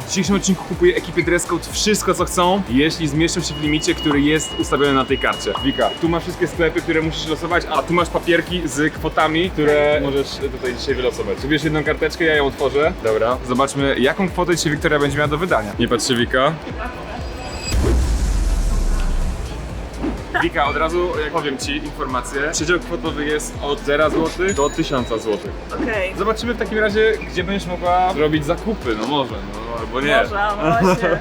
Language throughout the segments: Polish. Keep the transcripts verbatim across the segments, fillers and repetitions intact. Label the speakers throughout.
Speaker 1: W dzisiejszym odcinku kupuję ekipy Dress Code wszystko co chcą, jeśli zmieszczą się w limicie, który jest ustawiony na tej karcie. Wika, tu masz wszystkie sklepy, które musisz losować, a tu masz papierki z kwotami, które możesz tutaj dzisiaj wylosować. Wybierz jedną karteczkę, ja ją otworzę. Dobra, zobaczmy jaką kwotę dzisiaj Wiktoria będzie miała do wydania. Nie patrz się, Wika. Wika, od razu jak powiem ci informację, przedział kwotowy jest od zera złotych do tysiąca złotych.
Speaker 2: Okej.
Speaker 1: Zobaczymy w takim razie, gdzie będziesz mogła robić zakupy, no może, no albo nie.
Speaker 2: Może, no właśnie.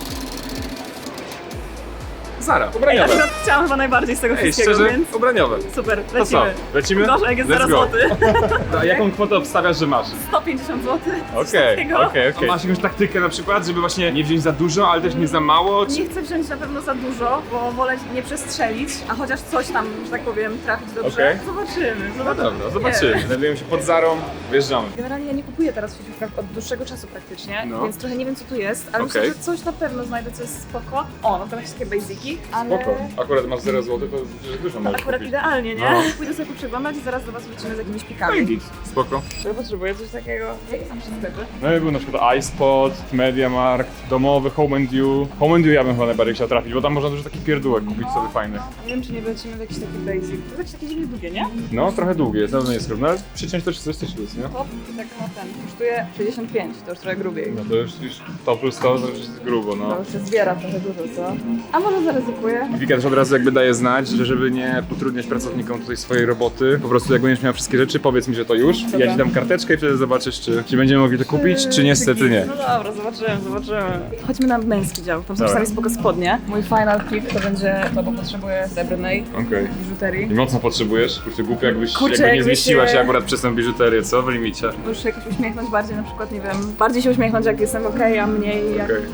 Speaker 1: Zara,
Speaker 2: Ja
Speaker 1: ubraniowe.
Speaker 2: akurat chciałam chyba najbardziej z tego
Speaker 1: Ej,
Speaker 2: wszystkiego,
Speaker 1: szczerze,
Speaker 2: więc
Speaker 1: ubraniowe.
Speaker 2: super,
Speaker 1: To co,
Speaker 2: lecimy.
Speaker 1: lecimy?
Speaker 2: Gorzej, jak jest
Speaker 1: Let's
Speaker 2: zero
Speaker 1: go.
Speaker 2: złotych.
Speaker 1: A jaką kwotę obstawiasz, że masz?
Speaker 2: sto pięćdziesiąt złotych.
Speaker 1: Okej, okej, okej. Masz jakąś taktykę na przykład, żeby właśnie nie wziąć za dużo, ale też nie za mało? Czy...
Speaker 2: Nie chcę wziąć na pewno za dużo, bo wolę nie przestrzelić, a chociaż coś tam, że tak powiem, trafić dobrze.
Speaker 1: Okej.
Speaker 2: Zobaczymy,
Speaker 1: No
Speaker 2: zobaczymy.
Speaker 1: dobra, zobaczymy. Znajdujemy się pod Zarą, wjeżdżamy.
Speaker 2: Generalnie ja nie kupuję teraz w sieciówkach od dłuższego czasu praktycznie,
Speaker 1: No.
Speaker 2: więc trochę nie wiem co tu jest, ale
Speaker 1: Okej.
Speaker 2: myślę, że coś na pewno znajdę, co jest spoko. O, no to jakieś takie basiki, ale...
Speaker 1: Spoko. Akurat masz zero złotych, to przecież dużo możesz
Speaker 2: Akurat
Speaker 1: kupić.
Speaker 2: idealnie, nie?
Speaker 1: No.
Speaker 2: Pójdę sobie przeglądać i zaraz do was wrócimy z jakimiś
Speaker 1: No
Speaker 2: pikami.
Speaker 1: i git. Spoko.
Speaker 2: Czy potrzebuję coś takiego? Jakie są jeszcze sklepy?
Speaker 1: No i był na przykład iSpot, MediaMarkt, domowy, Home and You. Home and You ja bym chyba najbardziej chciał trafić, bo tam można dużo takich pierdółek kupić sobie fajnych.
Speaker 2: Nie wiem, czy nie lecimy w jakiś taki basic. To jest jakieś takie dziwnie długie, nie?
Speaker 1: No, trochę długie, jest, na pewno jest równo, ale przyciąć to trzydzieści plus, nie?
Speaker 2: Top i tak na ten. Kosztuje sześćdziesiąt pięć, to już trochę grubiej.
Speaker 1: No to już, już to plus to, to już jest grubo, no.
Speaker 2: To już się zbiera trochę dużo, co? A może zaryzykuję?
Speaker 1: Wika też od razu jakby daje znać, że żeby nie utrudniać pracownikom tutaj swojej roboty, po prostu jak będziesz miała wszystkie rzeczy, powiedz mi, że to już.
Speaker 2: Dobra.
Speaker 1: Ja ci dam karteczkę i wtedy zobaczysz, czy, czy będziemy mogli to kupić, czy niestety nie.
Speaker 2: No dobra, zobaczymy, zobaczymy. Chodźmy na męski dział, tam są
Speaker 1: Dobra.
Speaker 2: sami spoko spodnie. Mój final pick to będzie to, bo potrzebuję srebrnej
Speaker 1: Okej.
Speaker 2: biżuterii.
Speaker 1: I mocno potrzebujesz? Kurczę, głupio jakbyś
Speaker 2: Kurczę,
Speaker 1: jakby nie
Speaker 2: jakby
Speaker 1: zmieściła się
Speaker 2: się-
Speaker 1: akurat przez tę biżuterię, co? W limicie.
Speaker 2: Muszę się jakoś uśmiechnąć bardziej, na przykład, nie wiem, bardziej się uśmiechnąć jak jestem okej, a mniej jak...
Speaker 1: Okej.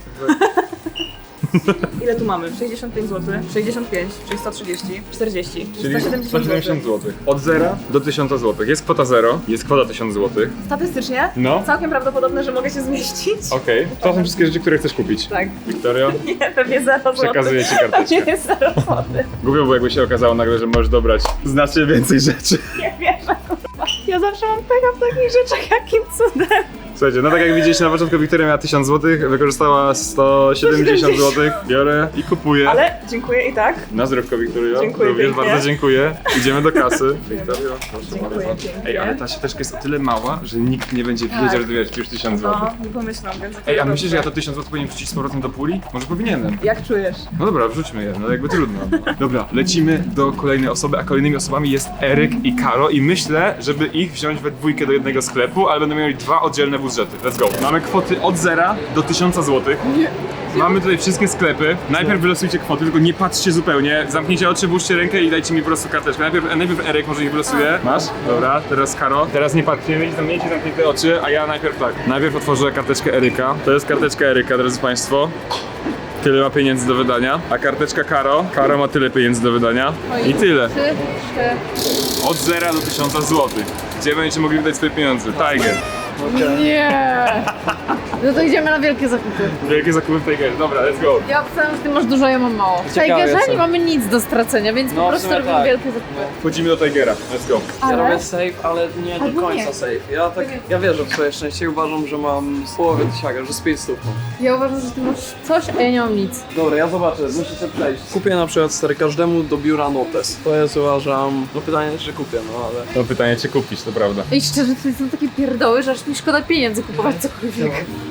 Speaker 2: Ile tu mamy? sześćdziesiąt pięć złotych, sześćdziesiąt pięć, czyli sto trzydzieści, czterdzieści,
Speaker 1: Czyli
Speaker 2: sto siedemdziesiąt
Speaker 1: złotych. Od zera do tysiąca złotych. Jest kwota zero, jest kwota tysiąc złotych.
Speaker 2: Statystycznie
Speaker 1: No.
Speaker 2: całkiem prawdopodobne, że mogę się zmieścić.
Speaker 1: Okej, to są wszystkie rzeczy, które chcesz kupić.
Speaker 2: Tak.
Speaker 1: Wiktorio,
Speaker 2: Nie, pewnie zero złotych.
Speaker 1: przekazuję ci
Speaker 2: Pewnie
Speaker 1: karteczkę.
Speaker 2: jest zero złotych.
Speaker 1: Głupio było, jakby się okazało nagle, że możesz dobrać znacznie więcej rzeczy.
Speaker 2: Nie wierzę, kurwa. Ja zawsze mam pecha w takich rzeczach, jakim cudem.
Speaker 1: Słuchajcie, no tak jak widzieliście na początku, Wiktoria miała tysiąc złotych, wykorzystała sto siedemdziesiąt złotych, biorę i kupuję.
Speaker 2: Ale dziękuję i tak.
Speaker 1: Na zdrówko, Wiktorio.
Speaker 2: Dziękuję
Speaker 1: Również
Speaker 2: pięknie.
Speaker 1: bardzo dziękuję. Idziemy do kasy. Wiktorio, proszę
Speaker 2: Dziękuję
Speaker 1: bardzo.
Speaker 2: pięknie.
Speaker 1: Ej, ale ta siateczka jest o tyle mała, że nikt nie będzie wiedział,
Speaker 2: Tak.
Speaker 1: że ty wiesz już tysiąc złotych.
Speaker 2: No, nie pomyślam, więc...
Speaker 1: Ej, a myślisz, że ja to tysiąc złotych powinien wrzucić z powrotem do puli? Może powinienem.
Speaker 2: Jak czujesz?
Speaker 1: No dobra, wrzućmy je, no jakby trudno. Dobra, lecimy do kolejnej osoby, a kolejnymi osobami jest Eryk i Karo i myślę, żeby ich wziąć we dwójkę do jednego sklepu, ale będą mieli dwa oddzielne budżety. Let's go. Mamy kwoty od zera do tysiąca złotych. Mamy tutaj wszystkie sklepy. Najpierw wylosujcie kwoty, tylko nie patrzcie zupełnie. Zamknijcie oczy, włóżcie rękę i dajcie mi po prostu karteczkę. Najpierw, najpierw Eryk może ich wylosuje. Masz? Dobra, teraz Karo. Teraz nie patrzcie, mieć zamknięcie zamknięte oczy, a ja najpierw tak. Najpierw otworzę karteczkę Eryka. To jest karteczka Eryka, drodzy Państwo. Tyle ma pieniędzy do wydania, a karteczka Karo, Karo ma tyle pieniędzy do wydania i tyle.
Speaker 3: Trzy, cztery.
Speaker 1: Od zera do tysiąca złotych. Gdzie będziecie mogli wydać swoje pieniądze? Tiger.
Speaker 3: Nie! No to idziemy na wielkie zakupy.
Speaker 1: Wielkie zakupy w Tigerze. Dobra, let's go.
Speaker 3: Ja obstawiam, że ty masz dużo, ja mam mało. W
Speaker 4: Ciekawe
Speaker 3: Tigerze
Speaker 4: jestem.
Speaker 3: nie mamy nic do stracenia, więc
Speaker 4: No,
Speaker 3: po
Speaker 4: w
Speaker 3: prostu
Speaker 4: sumie
Speaker 3: robimy
Speaker 4: tak.
Speaker 3: wielkie zakupy.
Speaker 1: Wchodzimy do Tigera. Let's go.
Speaker 4: Ja
Speaker 3: Ale-
Speaker 4: robię safe, ale nie do
Speaker 3: Albo
Speaker 4: końca
Speaker 3: nie.
Speaker 4: safe. Ja tak, ja wierzę w swoje szczęście i uważam, że mam z połowy tysiaka, że z pięć stóp.
Speaker 3: Ja uważam, że ty masz coś, a ja nie mam nic.
Speaker 4: Dobra, ja zobaczę, musicie przejść. Kupię na przykład stary każdemu do biura notes. To jest uważam, no pytanie czy kupię, no ale...
Speaker 1: To pytanie, czy kupić, to prawda.
Speaker 3: I szczerze, to są takie pierdoły, że aż mi szkoda pieniędzy kupować cokolwiek.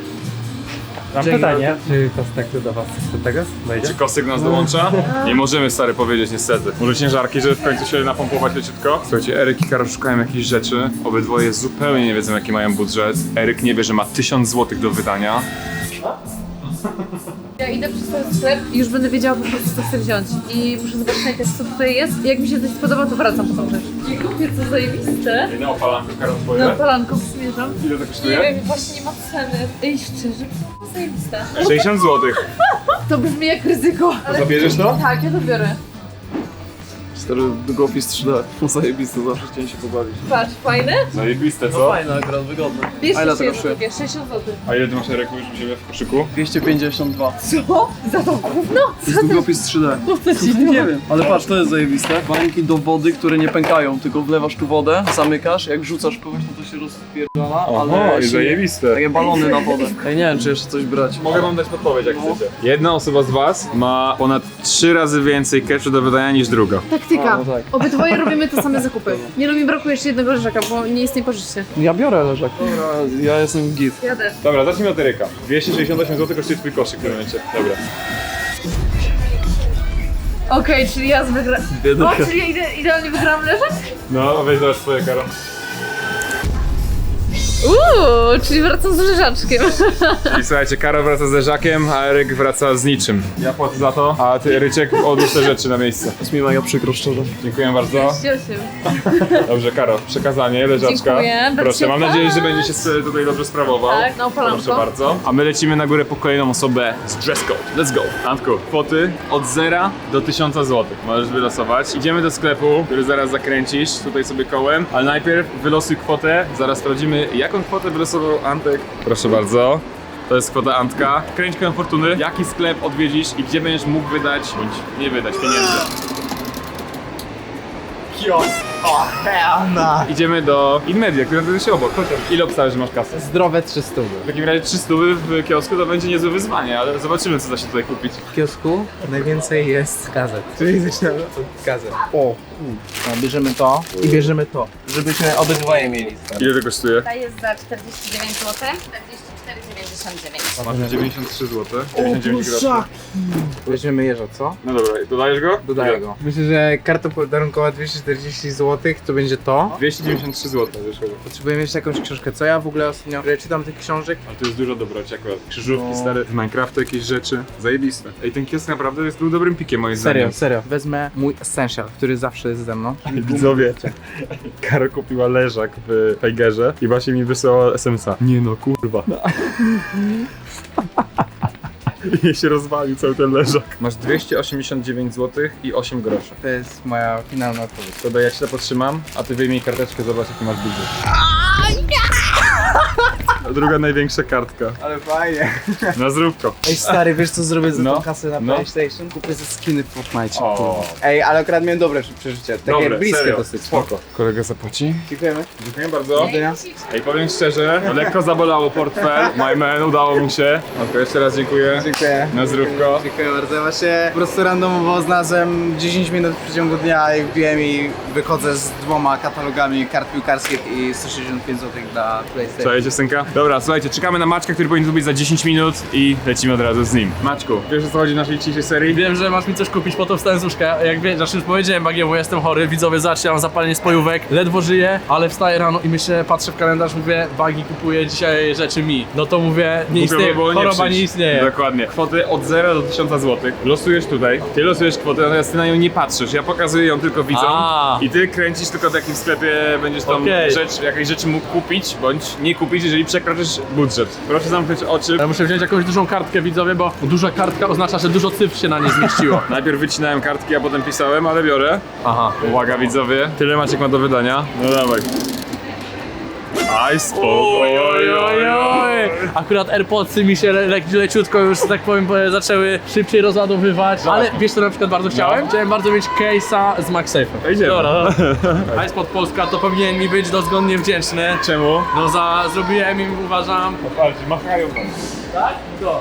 Speaker 5: Mam
Speaker 4: Dzięki.
Speaker 5: pytanie, czy Kostek do was do tego wejdzie?
Speaker 1: Czy Kosyk nas dołącza? Nie możemy, stary, powiedzieć niestety. Może ciężarki, żeby w końcu się napompować leciutko? Słuchajcie, Eryk i Karo szukają jakichś rzeczy. Obydwoje zupełnie nie wiedzą, jaki mają budżet. Eryk nie wie, że ma tysiąc złotych do wydania.
Speaker 3: Ja idę przez ten sklep i już będę wiedziała po prostu, co chcę wziąć. I muszę zobaczyć najpierw, co tutaj jest. I jak mi się coś spodoba, to wracam po tą rzecz. I kupię co zajebiste.
Speaker 1: Jedna opalanka, Karo,
Speaker 3: Na
Speaker 1: twoje?
Speaker 3: palanką zmierzam.
Speaker 1: Ile to
Speaker 3: Nie
Speaker 1: kosztuje?
Speaker 3: wiem, właśnie nie ma ceny. Ej, szczerze, to zajebiste.
Speaker 1: sześćdziesiąt złotych.
Speaker 3: To brzmi jak ryzyko. Ale...
Speaker 1: Zabierzesz to?
Speaker 3: Tak, ja to biorę.
Speaker 4: Stary długopis trzy D. Zajebiste, zawsze chciałem się pobawić.
Speaker 3: Patrz, fajne?
Speaker 1: Zajebiste,
Speaker 4: No
Speaker 1: co?
Speaker 4: fajne akurat, wygodne.
Speaker 3: Bierz
Speaker 4: A ile
Speaker 3: jeszcze
Speaker 4: to
Speaker 3: jedno
Speaker 4: kosztuje?
Speaker 3: takie, sześćdziesiąt złotych.
Speaker 1: A ile ty masz Ereku już u siebie w koszyku?
Speaker 4: dwieście pięćdziesiąt dwa.
Speaker 3: Co? Za to gówno?
Speaker 4: To jest długopis trzy D. Nie wiem. Ale patrz, to jest zajebiste. Bańki do wody, które nie pękają, tylko wlewasz tu wodę, zamykasz, jak rzucasz kogoś, no to się rozpierdala, ale...
Speaker 1: i
Speaker 4: się-
Speaker 1: zajebiste.
Speaker 4: Takie balony na wodę. Ej, nie wiem, czy jeszcze coś brać.
Speaker 1: Mogę wam dać podpowiedź, jak chcecie. Jedna osoba z was ma ponad trzy razy więcej cashu do wydania niż druga.
Speaker 3: Taktyka.
Speaker 4: A, no tak.
Speaker 3: Obydwoje robimy te same zakupy. Nie no, mi brakuje jeszcze jednego leżaka, bo nie istnieje pożyczcie.
Speaker 4: Ja biorę leżak. Dobra, ja jestem git.
Speaker 3: Ja też.
Speaker 1: Dobra, zacznijmy od Eryka. dwieście sześćdziesiąt osiem złotych kosztuje twój koszyk w tym momencie. Dobra.
Speaker 3: Okej, czyli ja wygra... O, czyli ja ide idealnie wygrałam leżak?
Speaker 1: No, weź zaraz swoje, Karo.
Speaker 3: Uuu, czyli wracam z leżaczkiem.
Speaker 1: I słuchajcie, Karo wraca z leżakiem, a Eryk wraca z niczym. Ja płacę za to, a ty, Ryczek, odłóż te rzeczy na miejsce.
Speaker 4: Jest mi mega przykro, szczerze.
Speaker 1: Dziękuję bardzo. Dobrze, Karo, przekazanie leżaczka.
Speaker 3: Dziękuję,
Speaker 1: Proszę, mam
Speaker 3: bardzo.
Speaker 1: nadzieję, że będzie się s- tutaj dobrze sprawował.
Speaker 3: Tak, no, polanko.
Speaker 1: Proszę bardzo. A my lecimy na górę po kolejną osobę z dress code. Let's go. Antku, kwoty od zera do tysiąca złotych możesz wylosować. Idziemy do sklepu, który zaraz zakręcisz tutaj sobie kołem, ale najpierw wylosuj kwotę, zaraz sprawdzimy, jaką kwotę wylosował Antek. Proszę bardzo. To jest kwota Antka. Kręć kołem fortuny, jaki sklep odwiedzisz i gdzie będziesz mógł wydać, bądź nie wydać pieniędzy.
Speaker 5: Kiosk! O, hell no!
Speaker 1: Idziemy do Inmedia, która znajduje się obok. Chodź. Ile obstawiasz, że masz kasę?
Speaker 5: Zdrowe trzysta.
Speaker 1: W takim razie trzysta w kiosku to będzie niezłe wyzwanie, ale zobaczymy, co da się tutaj kupić.
Speaker 5: W kiosku najwięcej jest gazet. Czyli zaczynamy od gazet. O, no, bierzemy to i bierzemy to, żebyśmy obydwoje mieli.
Speaker 1: Ile to kosztuje?
Speaker 6: Ta jest za czterdzieści dziewięć złotych, czterdzieści cztery dziewięćdziesiąt dziewięć.
Speaker 1: Masz dziewięćdziesiąt trzy złote. dziewięćdziesiąt dziewięć groszy.
Speaker 5: Weźmiemy jeża, co?
Speaker 1: No dobra, dodajesz go?
Speaker 5: Dodaję
Speaker 1: Ile?
Speaker 5: go. Myślę, że karta podarunkowa dwieście czterdzieści złotych to będzie to.
Speaker 1: dwieście dziewięćdziesiąt trzy złote wyszło.
Speaker 5: Potrzebujemy jeszcze jakąś książkę. Co ja w ogóle ostatnio ja czytam tych książek?
Speaker 1: Ale to jest dużo dobroci akurat. Krzyżówki
Speaker 5: No.
Speaker 1: stare, z Minecrafta jakieś rzeczy. Zajebiste. Ej, ten kiosk naprawdę jest był dobrym pikiem moim
Speaker 5: Serio,
Speaker 1: zdaniem.
Speaker 5: serio. Wezmę mój essential, który zawsze jest ze mną.
Speaker 1: Widzowie, Karo kupiła leżak w Tigerze i właśnie mi wysłała es em es a. Nie no, kurwa. I się rozwalił cały ten leżak. Masz dwieście osiemdziesiąt dziewięć złotych i osiem groszy.
Speaker 5: To jest moja finalna odpowiedź.
Speaker 1: To ja ci to podtrzymam, a ty wyjmij karteczkę, zobacz jaki masz budżet. Druga największa kartka.
Speaker 5: Ale fajnie.
Speaker 1: Na zdrówko.
Speaker 5: Ej stary, wiesz co zrobię za
Speaker 1: No.
Speaker 5: tą kasę na
Speaker 1: No.
Speaker 5: PlayStation? Kupię ze skiny w Fortnite.
Speaker 1: O.
Speaker 5: Ej, ale akurat miałem dobre przeżycie. Takie
Speaker 1: Dobre,
Speaker 5: bliskie
Speaker 1: serio.
Speaker 5: dosyć.
Speaker 1: Spoko. Kolega zapłaci?
Speaker 5: Dziękujemy.
Speaker 1: Dziękuję bardzo.
Speaker 5: Do widzenia.
Speaker 1: Ej, powiem szczerze, lekko zabolało portfel. My man, udało mi się. Okej, jeszcze raz dziękuję.
Speaker 5: Dziękuję.
Speaker 1: Na zdrówko.
Speaker 5: Dziękuję bardzo. Właśnie po prostu randomowo znalazłem dziesięć minut w przeciągu dnia i wbiłem i wychodzę z dwoma katalogami kart piłkarskich i sto sześćdziesiąt pięć złotych dla PlayStation.
Speaker 1: Słuchajcie, synka. Dobra, słuchajcie, czekamy na Maćka, który powinien tu być za dziesięć minut i lecimy od razu z nim. Maćku, wiesz o co chodzi w naszej dzisiejszej serii?
Speaker 4: Wiem, że masz mi coś kupić, po to wstałem z łóżka. Jak wiesz, znaczy już powiedziałem Bagiewu, jestem chory, widzowie, zobaczcie, mam zapalenie spojówek, ledwo żyję, ale wstaję rano i myślę, patrzę w kalendarz, mówię, Bagi kupuje dzisiaj rzeczy mi. No to mówię, nie istnieje,
Speaker 1: Głupio by było
Speaker 4: choroba nie
Speaker 1: przyjść.
Speaker 4: istnieje.
Speaker 1: Dokładnie. Kwoty od zera do tysiąca złotych. Losujesz tutaj. Ty losujesz kwotę, natomiast ty na nią nie patrzysz. Ja pokazuję ją tylko widzom.
Speaker 4: A.
Speaker 1: I ty kręcisz tylko w jakim sklepie będziesz tam
Speaker 4: Okej.
Speaker 1: rzecz, jakieś rzeczy mógł kupić, bądź nie kupić, jeżeli przekroczysz budżet. Proszę zamknąć oczy.
Speaker 4: Ja muszę wziąć jakąś dużą kartkę, widzowie, bo duża kartka oznacza, że dużo cyfr się na nie zmieściło.
Speaker 1: Najpierw wycinałem kartki, a potem pisałem, ale biorę.
Speaker 4: Aha.
Speaker 1: Uwaga widzowie, tyle Maciek ma do wydania. No dawaj. Aj, spoko.
Speaker 4: Oj, oj, oj, oj. Akurat AirPodsy mi się le le leciutko już, że tak powiem, zaczęły szybciej rozładowywać. Ale wiesz co na przykład bardzo chciałem? Chciałem bardzo mieć case'a z MagSafe'em.
Speaker 1: Idziemy.
Speaker 4: Dobra, no. iSpot Polska to powinien mi być dozgodnie wdzięczny.
Speaker 1: Czemu?
Speaker 4: No za zrobiłem im, uważam.
Speaker 1: Patrz, machają tam.
Speaker 4: Tak? Co?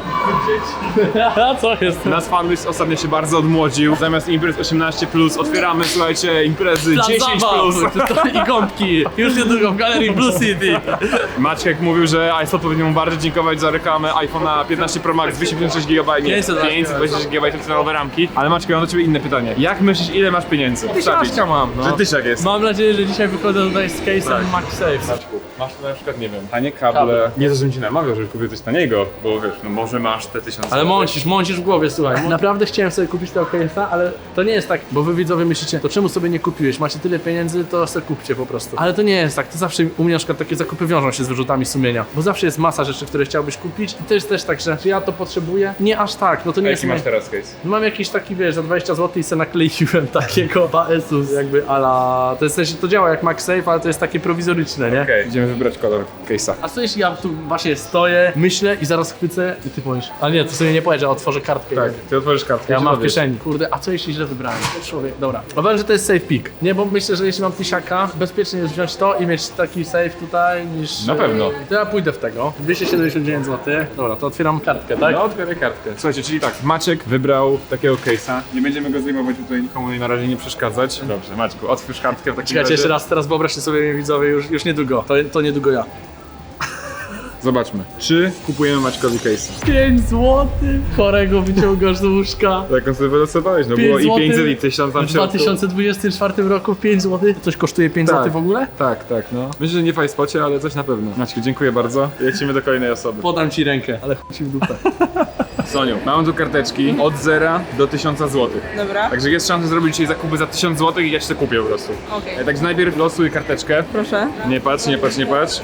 Speaker 4: A co jest?
Speaker 1: Nasz fanbase ostatnio się bardzo odmłodził. Zamiast imprez osiemnaście plus otwieramy, słuchajcie, imprezy
Speaker 4: Plan
Speaker 1: dziesięć
Speaker 4: zabaw.
Speaker 1: plus.
Speaker 4: I gąbki. Już niedługo w galerii Blue City.
Speaker 1: Maciek mówił, że iPhone powinien mu bardzo dziękować za reklamę iPhone'a piętnaście Pro Max dwieście pięćdziesiąt sześć gigabajtów, nie,
Speaker 4: pięćset
Speaker 1: pięćset dwadzieścia sześć gigabajtów cyfrowe ramki. Ale Maciek, ja mam do ciebie inne pytanie. Jak myślisz, ile masz pieniędzy?
Speaker 4: Tysiączka mam, no.
Speaker 1: Że tysiak jest.
Speaker 4: Mam nadzieję, że dzisiaj wychodzę tutaj z case'em
Speaker 1: Tak.
Speaker 4: MagSafe.
Speaker 1: Maćku, masz tu na przykład, nie wiem, tanie kable.
Speaker 4: Kable.
Speaker 1: Nie to, żebym ci namawiał, żebyś kupił coś taniego, bo wiesz, no może masz te tysiące.
Speaker 4: Ale mącisz, mącisz w głowie, słuchaj. Naprawdę chciałem sobie kupić tego case'a, ale to nie jest tak, bo wy widzowie myślicie, to czemu sobie nie kupiłeś? Macie tyle pieniędzy, to sobie kupcie po prostu. Ale to nie jest tak, to zawsze u mnie na przykład takie zakupy wiążą się z wyrzutami sumienia, bo zawsze jest masa rzeczy, które chciałbyś kupić i to jest też tak, że czy ja to potrzebuję? Nie aż tak, no to nie
Speaker 1: A
Speaker 4: jest...
Speaker 1: jaki masz
Speaker 4: moje-
Speaker 1: teraz case?
Speaker 4: Mam jakiś taki, wiesz, za dwadzieścia złotych i se nakleiłem takiego P S u jakby ala... To jest też, to działa jak MagSafe, ale to jest takie prowizoryczne, nie?
Speaker 1: Okej, idziemy wybrać kolor case'a.
Speaker 4: A co jeśli ja tu właśnie stoję, myślę i zaraz chwycę i ty powiesz, ale nie, to sobie nie powiesz, że otworzę kartkę.
Speaker 1: Tak, ty otworzysz kartkę.
Speaker 4: Ja
Speaker 1: i
Speaker 4: mam w
Speaker 1: dowiesz.
Speaker 4: kieszeni. Kurde, a co jeśli źle wybrałem? Człowiek, dobra. Powiem, że to jest safe pick. Nie, bo myślę, że jeśli mam tysiaka, bezpiecznie jest wziąć to i mieć taki safe tutaj niż...
Speaker 1: Na pewno.
Speaker 4: To ja pójdę w tego. dwieście siedemdziesiąt dziewięć złotych. Dobra, to otwieram kartkę, tak?
Speaker 1: No, otwieraj kartkę. Słuchajcie, czyli tak, Maciek wybrał takiego case'a. Nie będziemy go zdejmować tutaj, nikomu na razie nie przeszkadzać. Dobrze, Maćku, otwórz kartkę w takim
Speaker 4: Czekajcie,
Speaker 1: razie.
Speaker 4: jeszcze raz, teraz wyobraźcie sobie, widzowie, już, już niedługo. To, to niedługo ja.
Speaker 1: Zobaczmy, czy kupujemy Maćkowi case'a.
Speaker 4: pięć złotych? Chorego wyciągasz z łóżka.
Speaker 1: Tak on sobie wylosowałeś, no
Speaker 4: pięć
Speaker 1: było i
Speaker 4: złotych
Speaker 1: pięćset i tysiąc tam
Speaker 4: W
Speaker 1: w środku.
Speaker 4: dwa tysiące dwudziestym czwartym roku pięć złotych? Coś kosztuje pięć
Speaker 1: Tak.
Speaker 4: złotych w ogóle?
Speaker 1: Tak, tak, no. Myślę, że nie w iSpocie, ale coś na pewno. Maćku, dziękuję bardzo. Lecimy do kolejnej osoby.
Speaker 4: Podam ci rękę, ale chuj ci w dupę.
Speaker 1: Soniu, mam tu karteczki od zera do tysiąca złotych.
Speaker 2: Dobra,
Speaker 1: Także jest szansa zrobić dzisiaj zakupy za tysiąc złotych i ja ci to kupię po prostu.
Speaker 2: okej.
Speaker 1: E, Także najpierw losuj karteczkę.
Speaker 2: Proszę.
Speaker 1: Nie patrz, nie patrz, nie patrz.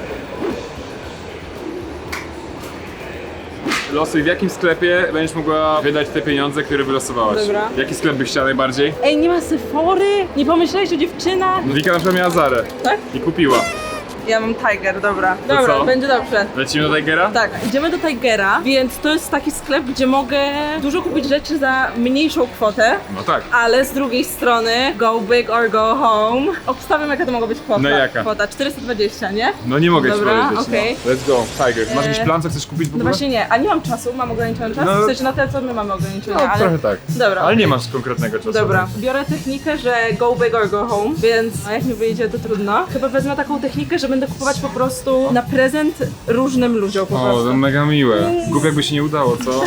Speaker 1: Losuj, w jakim sklepie będziesz mogła wydać te pieniądze, które wylosowałaś.
Speaker 2: Dobra.
Speaker 1: Jaki sklep byś chciała najbardziej?
Speaker 2: Ej, nie ma Sephory? Nie pomyślałeś o dziewczynach?
Speaker 1: Wika na przykład miała Zarę.
Speaker 2: Tak?
Speaker 1: I kupiła.
Speaker 2: Ja mam Tiger, dobra.
Speaker 1: To
Speaker 2: Dobra,
Speaker 1: co?
Speaker 2: będzie dobrze.
Speaker 1: Lecimy do Tigera?
Speaker 2: Tak, idziemy do Tigera, więc to jest taki sklep, gdzie mogę dużo kupić rzeczy za mniejszą kwotę,
Speaker 1: No tak.
Speaker 2: ale z drugiej strony go big or go home. Obstawiam, jaka to mogła być kwota.
Speaker 1: No jaka?
Speaker 2: Kwota czterysta dwadzieścia, nie?
Speaker 1: No nie mogę
Speaker 2: Dobra,
Speaker 1: ci powiedzieć.
Speaker 2: okej.
Speaker 1: No. Let's go, Tiger. Masz jakiś
Speaker 2: Eee,
Speaker 1: plan, co chcesz kupić w
Speaker 2: No
Speaker 1: ogóle?
Speaker 2: właśnie nie, a nie mam czasu, mam ograniczony czas,
Speaker 1: No.
Speaker 2: w sensie na tyle, co my mamy ograniczone,
Speaker 1: No
Speaker 2: ale...
Speaker 1: trochę tak.
Speaker 2: Dobra.
Speaker 1: Ale nie masz konkretnego czasu.
Speaker 2: Dobra, biorę technikę, że go big or go home, więc a jak mi wyjdzie, to trudno. Chyba wezmę taką technikę, że będę kupować po prostu na prezent różnym ludziom po
Speaker 1: O,
Speaker 2: prostu.
Speaker 1: to mega miłe. Głupio jakby się nie udało, co?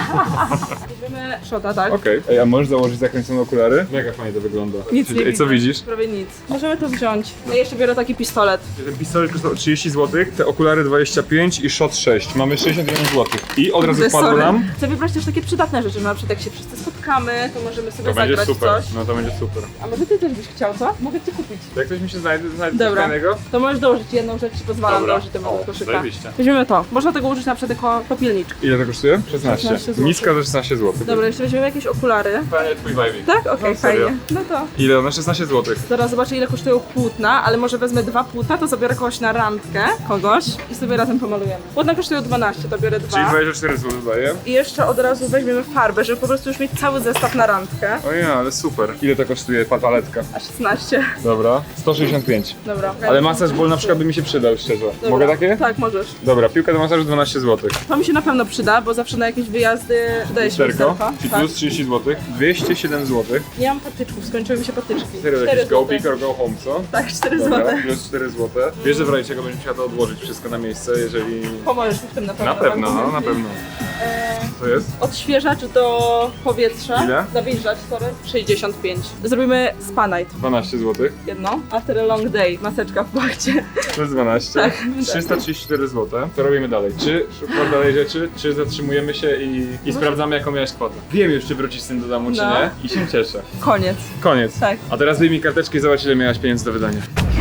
Speaker 2: Weźmiemy shota, tak?
Speaker 1: Okej. Ej, a możesz założyć zakręcone okulary? Mega fajnie to wygląda.
Speaker 2: Nic nie
Speaker 1: Ej,
Speaker 2: widzę.
Speaker 1: co widzisz?
Speaker 2: Prawie nic. Możemy to wziąć. Ja jeszcze biorę taki pistolet.
Speaker 1: Ten pistolet kosztował trzydzieści złotych, te okulary dwadzieścia pięć i shot sześć. Mamy sześćdziesiąt jeden złotych. I od razu
Speaker 2: Kurde,
Speaker 1: wpadło
Speaker 2: sorry.
Speaker 1: nam.
Speaker 2: Chcę wybrać też takie przydatne rzeczy, na przykład jak się wszyscy spotkamy, to możemy sobie
Speaker 1: To będzie
Speaker 2: zagrać
Speaker 1: super.
Speaker 2: coś.
Speaker 1: No to będzie super.
Speaker 2: A może ty też byś chciał, co? Mogę ci kupić.
Speaker 1: Jak ktoś mi się znajdzie, znajdzie coś
Speaker 2: Dobra.
Speaker 1: fajnego?
Speaker 2: To możesz dołożyć jedną rzecz, ci pozwalam
Speaker 1: Dobra.
Speaker 2: dołożyć do mojego
Speaker 1: O,
Speaker 2: koszyka.
Speaker 1: zajebiście.
Speaker 2: Weźmiemy to. Można tego użyć na przykład jako popielniczkę.
Speaker 1: Ile to kosztuje? szesnaście.
Speaker 2: szesnaście złotych.
Speaker 1: Niska za szesnaście złotych.
Speaker 2: Dobra, jeszcze weźmiemy jakieś okulary.
Speaker 1: Fajnie twój vibe.
Speaker 2: Tak? Okej,
Speaker 1: No, serio.
Speaker 2: fajnie. No to.
Speaker 1: Ile? Na szesnaście złotych.
Speaker 2: Zaraz zobaczę, ile kosztują płótna, ale może wezmę dwa płótna, to zabiorę kogoś na randkę, kogoś i sobie razem pomalujemy. Płótna kosztują dwanaście, to biorę
Speaker 1: Czyli
Speaker 2: dwa.
Speaker 1: dwadzieścia cztery złote daje.
Speaker 2: I jeszcze od razu weźmiemy farbę, żeby po prostu już mieć cały zestaw na randkę.
Speaker 1: O ja, ale super. Ile to kosztuje ta paletka?
Speaker 2: A szesnaście.
Speaker 1: Dobra. sto sześćdziesiąt pięć.
Speaker 2: Dobra.
Speaker 1: Ale masaż ból na przykład by mi się przydał, szczerze.
Speaker 2: Dobra.
Speaker 1: Mogę takie?
Speaker 2: Tak, możesz.
Speaker 1: Dobra, piłka do masażu dwanaście złotych.
Speaker 2: To mi się na pewno przyda, bo zawsze na jakieś wyjazdy przydaje się
Speaker 1: Lusterko,
Speaker 2: lusterko.
Speaker 1: czyli
Speaker 2: Tak.
Speaker 1: plus trzydzieści złotych. dwieście siedem złotych.
Speaker 2: Nie mam patyczków, skończyły mi się patyczki.
Speaker 1: Serio,
Speaker 2: cztery
Speaker 1: jakiś go
Speaker 2: złote.
Speaker 1: big or go home, co?
Speaker 2: Tak, cztery
Speaker 1: Dobra,
Speaker 2: złote.
Speaker 1: plus cztery złote. Wiesz, że w razie czego będziesz musiała to odłożyć wszystko na miejsce, jeżeli...
Speaker 2: Pomożesz mi w tym na pewno.
Speaker 1: Na pewno,
Speaker 2: tak?
Speaker 1: no, na pewno.
Speaker 2: Eee,
Speaker 1: Co jest?
Speaker 2: Odświeżacz do powietrza.
Speaker 1: Ile?
Speaker 2: Nawilżacz, sorry. sześćdziesiąt pięć. Zrobimy spa night.
Speaker 1: dwanaście złotych.
Speaker 2: Jedno. After a long day. Maseczka w pachcie.
Speaker 1: Plus dwanaście.
Speaker 2: Tak.
Speaker 1: trzysta trzydzieści cztery złote. Co robimy dalej? Czy szukasz dalej rzeczy, czy zatrzymujemy się i, i sprawdzamy, jaką miałeś kwotę? Wiem już, czy wrócisz z tym do domu, czy
Speaker 2: No.
Speaker 1: nie. I się cieszę.
Speaker 2: Koniec.
Speaker 1: Koniec.
Speaker 2: Tak.
Speaker 1: A teraz wyjmij karteczkę i zobacz, ile miałaś pieniędzy do wydania.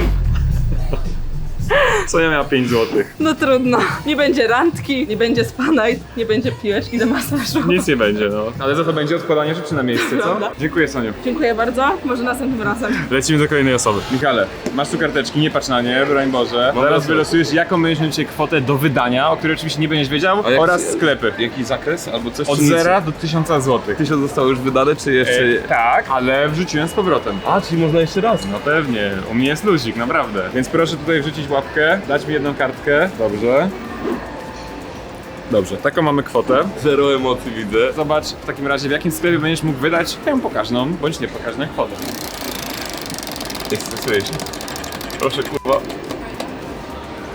Speaker 1: Sonia miała pięć złotych.
Speaker 2: No trudno. Nie będzie randki, nie będzie spa night, nie będzie piłeczki do masażu.
Speaker 1: Nic nie będzie, no. Ale za to będzie odkładanie rzeczy na miejsce, co?
Speaker 2: Prawda.
Speaker 1: Dziękuję, Soniu.
Speaker 2: Dziękuję bardzo. Może następnym razem.
Speaker 1: Lecimy do kolejnej osoby. Michale, masz tu karteczki, nie patrz na nie, broń Boże. Zaraz wylosujesz, jaką będziesz miał dzisiaj kwotę do wydania, o której oczywiście nie będziesz wiedział,
Speaker 7: jak-
Speaker 1: oraz sklepy.
Speaker 7: Jaki zakres albo coś?
Speaker 1: Od
Speaker 7: czy nic?
Speaker 1: zera do tysiąca złotych.
Speaker 7: Tysiąc zostało już wydane, czy jeszcze...
Speaker 1: E, tak, ale wrzuciłem z powrotem.
Speaker 7: A, czyli można jeszcze raz.
Speaker 1: No pewnie, u mnie jest luzik, naprawdę. Więc proszę tutaj wrzucić łapkę, dać mi jedną kartkę. Dobrze. Dobrze, taką mamy kwotę.
Speaker 7: Zero emocji widzę.
Speaker 1: Zobacz w takim razie, w jakim sklepie będziesz mógł wydać tę pokaźną, bądź nie pokaźną kwotę.
Speaker 7: Nie stresuję się. Proszę, kurwa.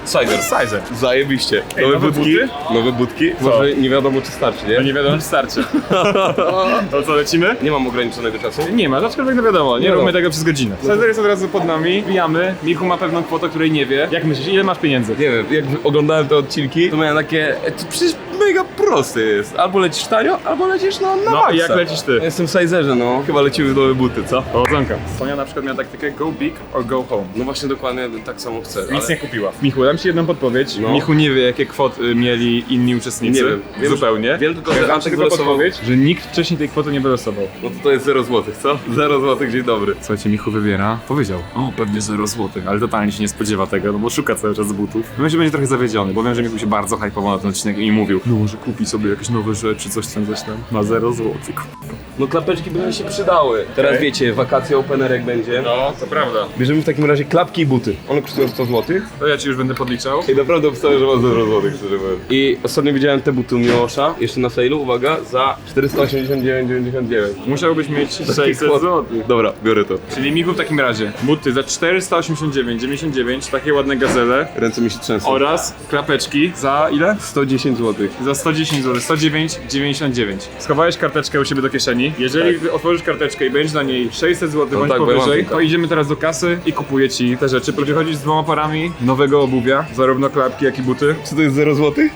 Speaker 7: Sizer.
Speaker 1: Sizer.
Speaker 7: Zajebiście.
Speaker 1: Ej,
Speaker 7: Nowe,
Speaker 1: nowe
Speaker 7: budki.
Speaker 1: buty?
Speaker 7: Nowe budki.
Speaker 1: Co?
Speaker 7: Może nie wiadomo czy starczy,
Speaker 1: No
Speaker 7: nie?
Speaker 1: nie wiadomo, czy starczy. To co, lecimy?
Speaker 7: Nie mam ograniczonego czasu.
Speaker 1: Nie ma, aczkolwiek no wiadomo, nie
Speaker 7: No.
Speaker 1: róbmy tego przez godzinę. Sizer jest od razu pod nami, wbijamy. Michu ma pewną kwotę, której nie wie. Jak myślisz, ile masz pieniędzy?
Speaker 7: Nie wiem, jak oglądałem te odcinki, to miałem takie, e, to przecież mega proste jest. Albo lecisz tanio, albo lecisz no, na
Speaker 1: No
Speaker 7: maksa.
Speaker 1: i jak lecisz ty?
Speaker 7: Ja jestem w Sizerze, no. Chyba lecimy w nowe buty, co?
Speaker 1: Powodzonka. Sonia na przykład miała taktykę go big or go home.
Speaker 7: No właśnie dokładnie tak samo chcę.
Speaker 1: Nic
Speaker 7: ale...
Speaker 1: nie kupiła. Michu, dam ci jedną podpowiedź.
Speaker 7: No.
Speaker 1: Michu nie wie, jakie kwoty mieli inni uczestnicy.
Speaker 7: Nie wiem. Wiem,
Speaker 1: Zupełnie.
Speaker 7: wiem tylko, że
Speaker 1: Ja dam ci
Speaker 7: Antek
Speaker 1: tylko
Speaker 7: wylosował.
Speaker 1: podpowiedź, że nikt wcześniej tej kwoty nie wylosował.
Speaker 7: No to to jest zero złotych, co? zero złotych, dzień dobry.
Speaker 1: Słuchajcie, Michu wybiera. Powiedział, o, pewnie zero złotych, ale totalnie się nie spodziewa tego, no bo szuka cały czas butów. Myślę, że będzie trochę zawiedziony, bo wiem, że Michu się bardzo hypował na ten odcinek i mówił, no może kupi sobie jakieś nowe rzeczy, coś tam, coś tam. Ma zero złotych.
Speaker 7: No klapeczki by mi się przydały. Teraz
Speaker 1: Okej.
Speaker 7: wiecie, wakacje openerek będzie.
Speaker 1: No, to prawda.
Speaker 7: Bierzemy w takim razie klapki i buty. One kosztują sto złotych.
Speaker 1: To ja ci już będę podliczał.
Speaker 7: I naprawdę obstawiam, że ma zero złotych, szczerze mówiąc. I ostatnio widziałem te buty u Miłosza, jeszcze na sale'u, uwaga, za czterysta osiemdziesiąt dziewięć dziewięćdziesiąt dziewięć.
Speaker 1: Musiałbyś mieć sześćset złotych.
Speaker 7: Dobra, biorę to.
Speaker 1: Czyli Michu w takim razie buty za czterysta osiemdziesiąt dziewięć dziewięćdziesiąt dziewięć, takie ładne gazele
Speaker 7: Ręce mi się trzęsą.
Speaker 1: oraz klapeczki za ile?
Speaker 7: sto dziesięć złotych.
Speaker 1: Za sto dziesięć złotych, sto dziewięć dziewięćdziesiąt dziewięć. Schowałeś karteczkę u siebie do kieszeni. Jeżeli
Speaker 7: Tak.
Speaker 1: otworzysz karteczkę i będzie na niej sześćset złotych
Speaker 7: No
Speaker 1: bądź
Speaker 7: tak, bo ja mam
Speaker 1: powyżej,
Speaker 7: tylko.
Speaker 1: to idziemy teraz do kasy i kupuję ci te rzeczy. Przychodzisz z dwoma parami nowego obuwia, zarówno klapki, jak i buty.
Speaker 7: Czy to jest zero złotych?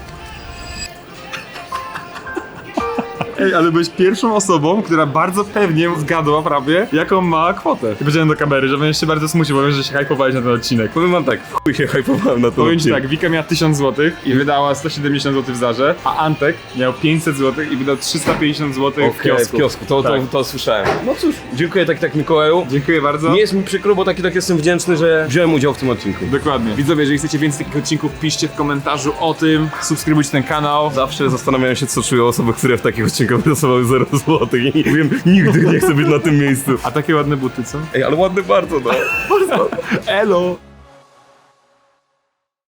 Speaker 1: Ej, ale byłeś pierwszą osobą, która bardzo pewnie zgadła prawie, jaką ma kwotę. I powiedziałem do kamery, że będziesz się bardzo smucił, bo wiem, że się hypowałeś na ten odcinek.
Speaker 7: Powiem wam tak, w chuj się hypowałem na to.
Speaker 1: Powiem ci tak, Wika miała tysiąc złotych i wydała sto siedemdziesiąt złotych w Zarze, a Antek miał pięćset złotych i wydał trzysta pięćdziesiąt złotych w
Speaker 7: Okej,
Speaker 1: kiosku.
Speaker 7: w kiosku, to, to,
Speaker 1: Tak.
Speaker 7: to słyszałem. No cóż, dziękuję tak tak Mikołaju.
Speaker 1: Dziękuję bardzo.
Speaker 7: Nie jest mi przykro, bo taki tak jestem wdzięczny, że wziąłem udział w tym odcinku.
Speaker 1: Dokładnie. Widzowie, jeżeli chcecie więcej takich odcinków, piszcie w komentarzu o tym, subskrybujcie ten kanał.
Speaker 7: Zawsze zastanawiałem się, co czują osoby, które w takich odcinkach wylosowały zero złotych i mówiłem, nigdy nie chcę być na tym miejscu.
Speaker 1: A takie ładne buty, co?
Speaker 7: Ej, ale ładny bardzo, no.
Speaker 1: Elo!